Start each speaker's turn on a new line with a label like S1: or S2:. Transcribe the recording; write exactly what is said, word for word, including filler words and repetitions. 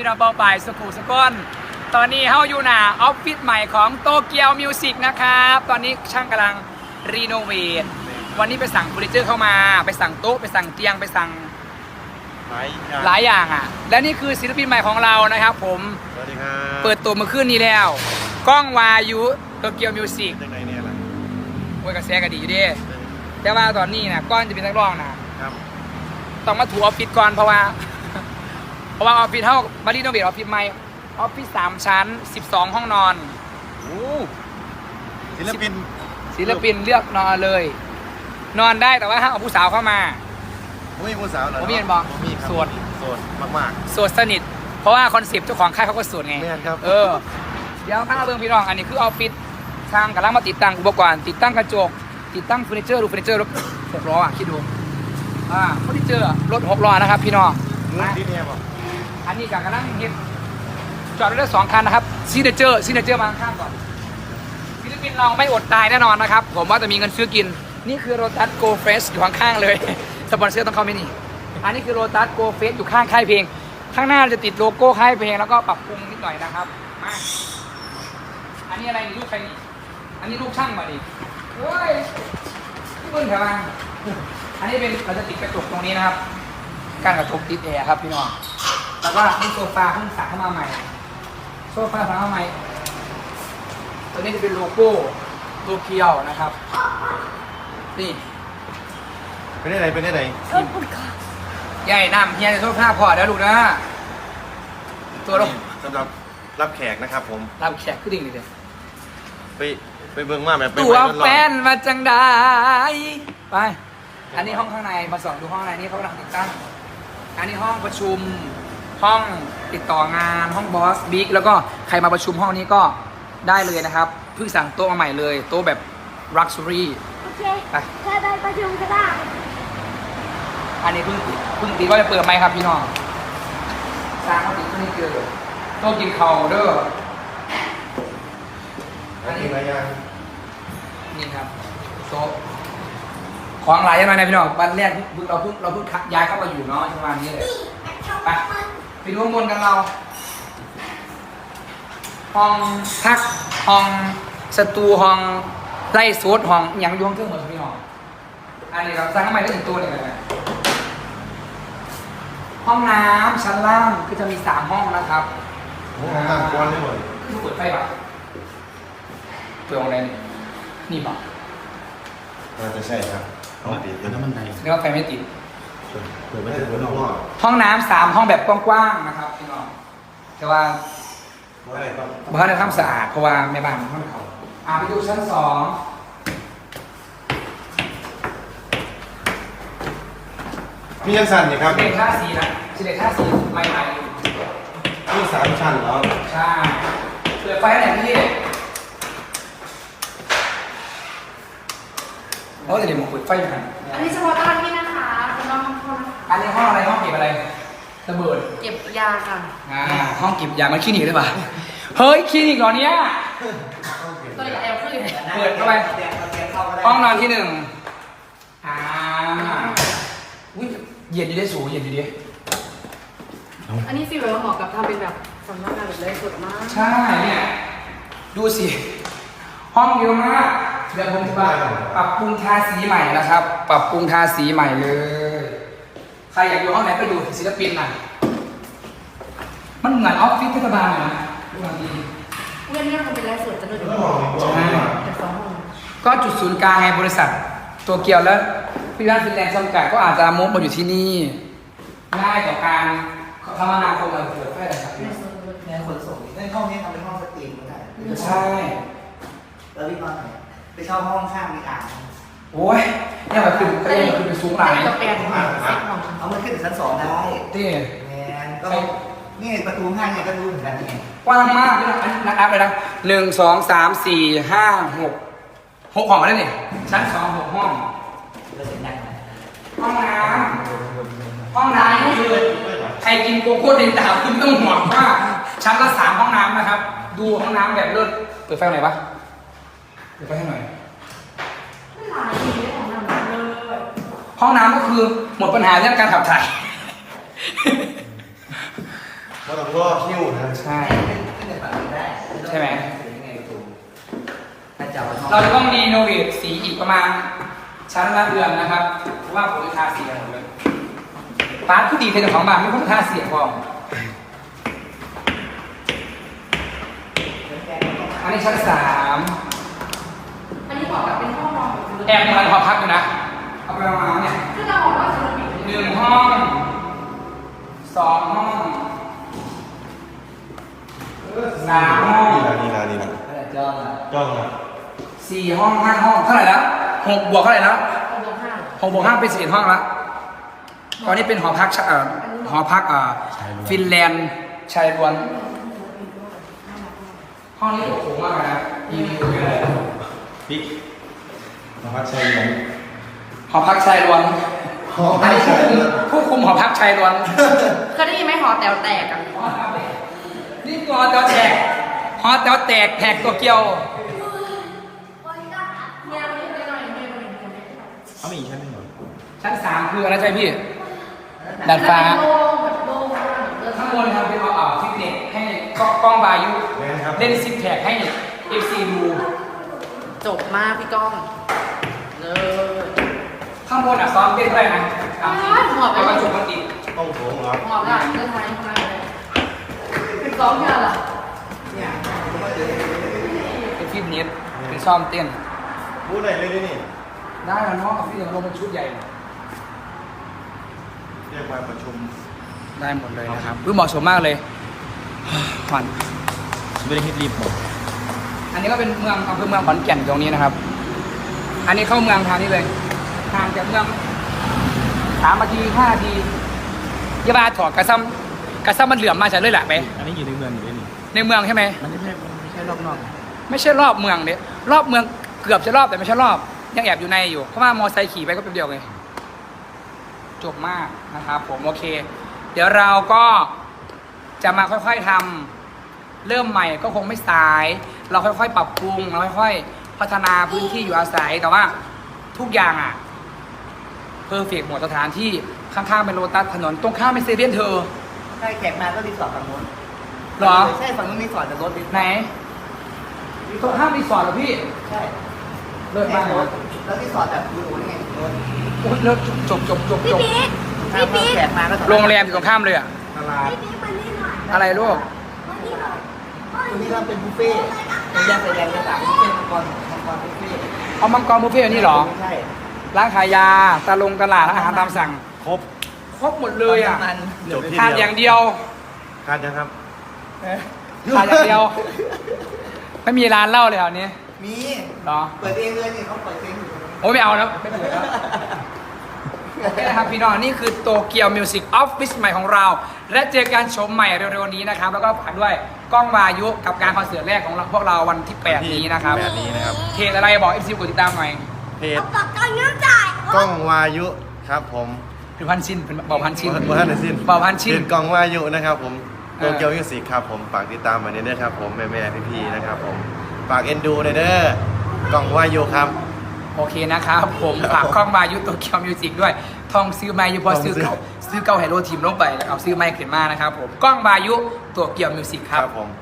S1: พี่น้องเป้าปลายสกูสก้อนตอนนี้เฮาอยู่หน้าออฟฟิศใหม่ของโตเกียวมิวสิกนะครับตอนนี้ช่างกำลังรีโนเวทวันนี้ไปสั่งเฟอร์นิเจอร์เข้ามาไปสั่งโต๊ะไปสั่งเตียงไปสั่งหลายอย่างอ่ะและนี่คือศิลปินใหม่ของเรานะครับผม
S2: สวัสดีครับ
S1: เปิดตัวเมื่อคืนนี้แล้วก้องวายุโตเกียวมิวสิก
S2: ยังไงเนี่ยล่ะ
S1: โอ้ยกระแสก็ดีอยู่ดิแต่ว่าตอนนี้นะก้อนจะเป็นนักร้องนะครับต้องมาถูออฟฟิศก่อนเพราะว่าเพราะว่าออฟฟิศเท่าบารีโนเวทออฟฟิศใหม่ออฟฟิศสามชั้นสิบสองห้องนอน
S2: โอ้ศิลปิน
S1: ศิลปินเลือกนอนเลย นอนได้แต่ว่าห้ามเอาผู้สาวเข้ามา
S2: ไม่มีผู้สาวเหรอ
S1: ผมมีเห็นบอกโสด
S2: โสดมาก
S1: ๆโสดสนิทเพราะว่าคอนเซปต์เจ้าของค่ายเขาก็โสดไง
S2: ครับ
S1: เออเดี๋ยวข้าเบิ้งพี่น้องอันนี้คือออฟฟิศทางกำลังมาติดตั้งอุปกรณ์ติดตั้งกระจกติดตั้งเฟอร์นิเจอร์ดูเฟอร์นิเจอร์รถหกล้ออ่ะคิดดูอ่าเฟอร์นิเจอร์รถหกล้อนะครับพี่น้อง
S2: ที่นี่บอก
S1: อันนี้กำลังเห็นจอดรถได้สองคันนะครับซีเนเจอร์ซีเนเจอร์มาข้างก่อนฟิลิปปินส์เราไม่อดตายแน่นอนนะครับผมว่าจะมีเงินซื้อกินนี่คือโรตัสโกเฟสอยู่ข้างๆเลยสปอนเซอร์ต้องเข้าไม่นี่อันนี้คือโรตัสโกเฟสอยู่ข้างค่ายเพลงข้างหน้าจะติดโลโก้ค่ายเพลงแล้วก็ปรับปรุงนิดหน่อยนะครับมาอันนี้อะไรนี่ลูกใครนี่อันนี้ลูกช่างมาดิเฮ้ยที่เบิ้ลแถวมาอันนี้เป็นเราจะติดกระจกตรงนี้นะครับการกระจกติดแอร์ครับพี่น้องแล้วก็นี่โซฟาเพิ่งสั่งเข้ามาใหม่โซฟาสั่งเข้ามาใหม่ตัวนี้จะเป็นโลโก้โตเกียวนะครับนี่
S2: เป็นได้ไหนเป็นได้ไหน
S1: ใหญ่น้ำเฮียจะโทษภาพพอเดี๋ยวดูนะตัวลง
S2: สำหรับรับแขกนะครับผม
S1: รับแขกขึ้นดิ่งเลย
S2: ไปไปเบิ่งมาแบบ
S1: ตัวแฟนมาจังได้ไปอันนี้ห้องข้างในมาส่องดูห้องในนี้เขากำลังติดตั้งอันนี้ห้องประชุมห้องติดต่องานห้องบอสบิ๊กแล้วก็ใครมาประชุมห้องนี้ก็ได้เลยนะครับเพิ่งสั่งโต๊ะมาใหม่เลยโต๊ะแบบลักชัวรี่
S3: โอเคไปแค่ได้ประชุมก็ได้
S1: อันนี้เพิ่งติดเพิ่งติดก็จะเปิดไหมครับพี่น้องสร้างเขาติดเพิ่งเจอโต๊ะกินเข่าเด้อ
S2: อันนี้อะไรยัง
S1: นี่ครับโต๊ะของหลายยังไงนะพี่น้องวันแรกเราเพิ่งเราเพิ่งย้ายเข้ามาอยู่เนาะประมาณนี้เลยไปไปดูข้างบนกันเราห้องพักห้องสตูห้องไล่โซดห้องอย่างยวงเครื่องหมดพี่น้องอันนี้ครับสร้างทำไมได้ถึงตัวเนี่ยห้องน้ำชั้นล่างคือจะมีสามห้องนะครับ
S2: ห้องน้ำกว้างเลยหมด
S1: คือเปิดไฟป่ะเปิดอะไรนี่นี่ป่ะ
S2: น่าจะใช่ครับห้องติดแล้วมันไหน
S1: เรียกว่าไฟไม่ติด
S2: เปิดไม่ได้เปิดนอก
S1: ห้องน้ำสามห้องแบบกว้างๆนะครับพี่น้องแต่ว่าบ้านในทำสะอาดเพราะว่าแม่บ้านห้องเขาอ่าไปดูชั้นสอง
S2: มียังสั่นอยู่ครับ
S1: เป็นท่าสีนะสิเด็กท่าสีใหม่ๆ
S2: มีสามชั้นแล้ว
S1: ใช่เปิดไฟไหนพี่โอ้แต่เดี๋ยวผมเปิดไฟกัน
S3: อันนี้เฉพาะตอนนี้นะคะคุณน้องห้อง
S1: อันนี้ห้องอะไรห้องเก็บอะไรระเบิด
S3: เก็บยาค่ะ
S1: อ่าห้องเก็บยามันคลินิกหรือเปล่าเฮ้ยคลินิกเหรอเนี้ย
S3: ตัวใหญ่เอาขึ้น
S1: เปิดเข้าไปห้องนอนที่หนึ่งอ่าอุ้ยเย็นดีได้สูงเย็นดีดิ
S3: อันนี้ฟีลแบบเหมาะกับทำเป็นแบบสำนักงานแบบเลยสดมาก
S1: ใช่เนี่ยดูสิห้องเยอะมากเดี๋ยวผมจะปรับปรุงทาสีใหม่นะครับ ปรับปรุงทาสีใหม่เลยใครอยากอยู่ห้องไหนก็ดูศิลปินน่ะมันเหมือนออฟฟิศเทศบาลเลยนะดูบางที
S3: เรื่องนี้มันเป็นไลฟ์สดจะดูดี
S1: ใช่ก็จุดศูนย์กลางไงบริษัทตัวเกียวแล้วพี่บ้านฟินแลนด์จำกัดก็อาจจะมุกมาอยู่ที่นี่ง่ายต่อการคมนาคมเราเกิดได้ครับ
S4: ในขนส่งในห้องนี้ทำเป็นห้องสตรีมก็ได้
S1: ใช่
S4: แล้วพี่นอนไหนไปเช่าห้องข้างในอ่าง
S1: โอ้ยเนี่ยแบบคือก็ยังคือเป็นสูงหลาย
S3: ก็เป็น
S4: เอามันขึ้นถึงชั้นสองได้
S1: ที่
S4: แมนก็นี่ประตูห้างเนี่ยก็ดูเหมือนกันนี่
S1: กว้างมากนะนับเลยนะหนึ่งสองสามสี่ห้าหกหกห้องมาแล้วนี่ชั้นสองหกห้องห้องน้ำห้องน้ำนี่คือใครกินโกโก้เดนตาคุณต้องห่วงว่าชั้นละสามห้องน้ำนะครับดูห้องน้ำแบบเลิศเปิดไฟไหนปะเปิดไฟให้หน่อยห้องน้ำก็คือหมดปัญหาเรื่องการขับถ่าย
S2: ก็ต้องรอคิวนะ
S1: ใช่
S4: ขึ้นในฝั่งนี้ได้
S1: ใช่ไหม
S4: ยังไงถูกถ้าจะเอา
S1: เราจะต้องรีโนเวทสีอีกประมาณชั้นละเดือนนะครับเพราะว่าผมจะทาสีกันหมดเลยปาร์ทผู้ดีเป็นเจ้าของบ้านไม่ต้องทาสีพออันนี้ชั้นสาม
S3: อันนี้บอกแบบเป็นห้องนอนแบบ
S1: แอบมันหอพักอยู่นะเอาไปมาเนี่ย
S3: คือเราบอกว่าจะปิด
S1: หนึ่งห้องสองห้องสามห้อง
S2: นี่นะนี่นะนี่นะ
S4: อะไรจ้องอ่ะ
S2: จ้องนะ
S1: สี่ห้องห้าห้องเท่าไหร่แล้วหกบวกเท่าไหร่แล้ว
S3: ห้องห้า
S1: หกบวกห้าเป็นสี่ห้องแล้วตอนนี้เป็นหอพักชะเอ่อหอพักเอ่อฟินแลนด์ชายล้วนห้องนี้โอ้โหมากเลยนะมีวิวเลย
S2: พี่มาพักใช้ไหม
S1: หอพักชายล้วน
S2: หอพักใช้
S1: ผู้คุมหอพักชายล้วน
S3: เคยได้ยินไหมหอแต๋วแตกกัน
S1: นี่คือหอแต๋วแตกหอแต๋วแตกแหกตัวเกียว
S3: เนี่ยวันนี้ไปหน่อยไม่ไม่ไม่ไม่
S2: เอามีอีกชั้นหนึ่งเหรอ
S1: ชั้นสามคืออะไรใช่พี่ดาดฟ้า
S3: โล่งแบบโล่งมากเออ
S1: ข้างบนทำเป็นเอาอ่าฟิตเนสให้กล้องกล้องบายุ
S2: แม่นครับ
S1: เล่นซิปแพคให้เอฟซีดู
S3: จบมากพี่ก้องเลย
S1: ข้างบนอ่ะซ้อมเต้นด้วยนะตามที่เอากระจุกมันติด
S2: ต้องโถงเหรอ
S3: หอมละเดินทางทำงานเลยซ้อมงานล่ะ
S4: เนี่ย
S1: เป็นฟิตเนสเป็นซ้อมเต้น
S2: พูดไหนเลยดินี่
S1: ได้แล้วเนาะฟิตเนสลงเป็นชุดใหญ่
S2: เรียกมาประชุม
S1: ได้หมดเลยนะครับอุ๊ยเหมาะสมมากเลยขวัญ
S2: ไม่ได้คิดรีบหมด
S1: อันนี้ก็เป็นเมืองอำเภอเมืองขอนแก่นตรงนี้นะครับ อันนี้เข้าเมืองทางนี้เลยห่างจากเมืองสามนาทีห้านาทียาบาถอดกระซ้ำกระซ้ำมันเหลื่อมมาจากเลยแหละไป
S2: อันนี้อยู่ในเมืองอยู่ด้วยนี่
S1: ในเมืองใช่ไหม
S2: มันไม่ใช่มันไม่ใช่รอบนอก
S1: ไม่ใช่รอบเมืองเนี่ยรอบเมืองเกือบจะรอบแต่ไม่ใช่รอบ ยังแอบอยู่ในอยู่เพราะว่ามอไซค์ขี่ไปก็แป๊บเดียวไงจบมากนะครับผมโอเค เดี๋ยวเราก็จะมาค่อยๆทำเริ่มใหม่ก็คงไม่สาย เราค่อยๆ ปรับปรุงเราค่อยๆ พัฒนาพื้นที่อยู่อาศัยแต่ว่าทุกอย่างอ่ะเพอร์เฟกหมดสถานที่ข้างๆเป็นโลตัสถนนตรงข้ามเป็นเซเว่นเธอ
S4: ใช่แขกมาก็รีสอร์ทฝั่งนู้น
S1: เหรอ
S4: ใช่ฝั่งนู้นรีสอร์ทแต่รถรีสอร์ท
S1: ไหนตรงข้ามรีสอร์ทเหรอพี่
S4: ใช่
S1: เลิศมากเลย
S4: แล้วรีสอร์ทแบบอยู่นี่ไงรถ
S1: โอ้ยเลิศจบจบจบจบ
S4: ถ้าแขกมาก็
S1: โรงแรมอยู่ตรงข้ามเลยอ่ะ
S2: ตลาด
S1: อะไรลูก
S4: ตรงนี้เราเป็นบุฟเฟ่ต์เป็นแยกไฟแดงกระต่างบุฟเฟ่ต์มังกรมังกรบุฟเฟ่ต์
S1: เอามังกรบุฟเฟ่ต์อันนี้เหรอ
S4: ใช่
S1: ร้านขายยาตะลงตลาดร้านอาหารตามสั่ง
S2: ครบ
S1: ครบหมดเลยอ่ะ
S4: มัน
S2: จบที่
S1: ทานอย่างเดียว
S2: คาดนะครับ
S1: ทานอย่างเดียว ไม่มีร้านเหล้าเลยเหรอนี้
S4: มี
S1: เหรอ
S4: เปิดเองเลยนี่เขาเปิดเองอยู่
S1: โอ้ยไม่เอาแล้วไม่เปิดแล้วโอเคนะครับพี่น้องนี่คือโตเกียวมิวสิกออฟฟิศใหม่ของเรา และเจอกันชมใหม่เร็วๆนี้นะครับ แล้วก็ฝากด้วยกล้องวายุกับการคอนเสิร์ตแรกของเราพวกเราวันที่แปดนี้นะครับ
S2: แปดนี้นะครับ
S1: เพจอะไรบอกเอฟซีกดติดตามหน่อย
S2: เพจ
S5: ปากกาเงินจ่าย
S2: กล้องวายุครับผม
S1: เป็นพันชิ้นเป็นเบาพันชิ้น
S2: เบอร์ท่านไหนสิ้น
S1: เบาพันชิ้น
S2: เพจกล้องวายุนะครับผม
S1: เอ
S2: โต
S1: อ
S2: เกียวมิวสิกครับผมฝากติดตามมาเด้อครับผมแม่แม่พี่พี่ๆนะครับผมฝากเอ็นดูหน่อยเด้อกล้องวายุครับ
S1: โอเคนะครับผมฝากกล้องวายุโตเกียวมิวสิกด้วยทองซื้อไม้อยู่พอซื้อเก่าซื้อเก่าไฮโลทีมลงไปแล้วเอาซื้อไม้ขึ้นมานะครับผมกล้องวายุโตเกียวมิวสิกค
S2: ค
S1: รั
S2: รับ บผม